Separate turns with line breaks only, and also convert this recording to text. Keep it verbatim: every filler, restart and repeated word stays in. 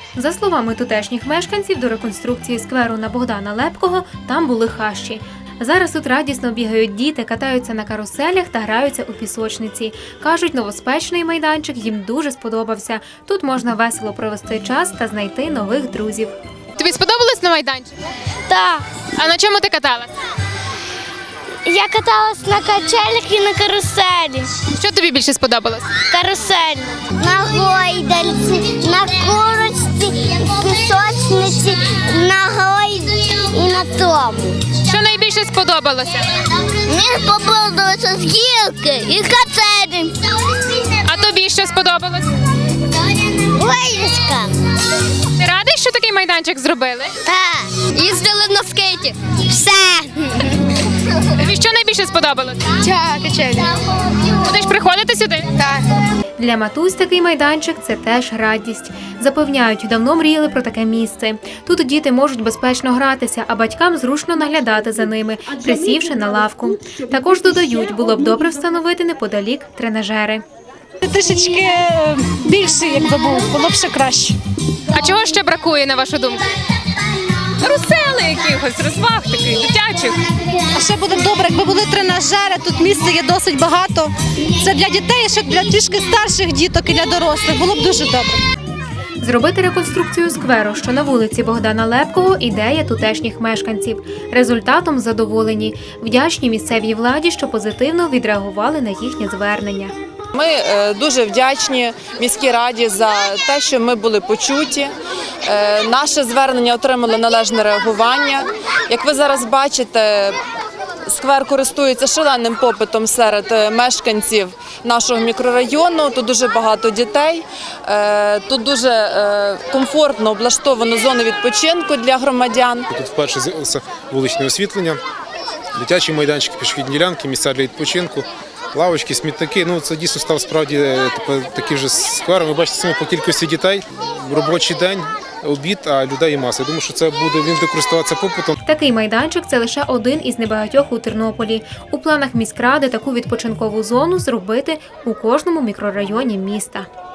За словами тутешніх мешканців, до реконструкції скверу на Богдана Лепкого там були хащі. Зараз тут радісно бігають діти, катаються на каруселях та граються у пісочниці. Кажуть, новоспечний майданчик їм дуже сподобався. Тут можна весело провести час та знайти нових друзів.
Тобі сподобалось на майданчику?
Так.
А на чому ти каталась?
Я каталась на качелях і на каруселі.
Що тобі більше сподобалось?
Карусель. На гойдальці, на курочці, пісочниці, на гойді і на тому.
Що найбільше сподобалося?
Мені сподобалося з гілки і качелі.
А тобі що сподобалось?
Гойдочка.
Ти радий, що такий майданчик зробили?
Так. Їздили на скейті. Все.
Тобі що найбільше сподобалось?
Так, качелі.
Будеш приходити сюди?
Так.
Для матусь такий майданчик – це теж радість. Запевняють, давно мріяли про таке місце. Тут діти можуть безпечно гратися, а батькам зручно наглядати за ними, присівши на лавку. Також додають, було б добре встановити неподалік тренажери.
Трішечки більше, якби був, було б ще краще.
А чого ще бракує, на вашу думку?
Русели якихось, розваг таких, дитячих. А ще буде б добре, якби були тренажери, тут місця є досить багато. Це для дітей, ще для трішки старших діток і для дорослих. Було б дуже добре.
Зробити реконструкцію скверу, що на вулиці Богдана Лепкого – ідея тутешніх мешканців. Результатом задоволені. Вдячні місцевій владі, що позитивно відреагували на їхнє звернення.
Ми дуже вдячні міській раді за те, що ми були почуті. Наше звернення отримало належне реагування. Як ви зараз бачите, сквер користується шаленим попитом серед мешканців нашого мікрорайону. Тут дуже багато дітей, тут дуже комфортно облаштовано зону відпочинку для громадян.
Тут вперше з'явилося вуличне освітлення, дитячі майданчики, пішохідні ділянки, місця для відпочинку. Лавочки, смітники, ну це дійсно став справді такий вже сквер. Ви бачите самі по кількості дітей, робочий день, обід, а людей маса. Я думаю, що це буде, він буде користуватися попитом.
Такий майданчик – це лише один із небагатьох у Тернополі. У планах міськради таку відпочинкову зону зробити у кожному мікрорайоні міста.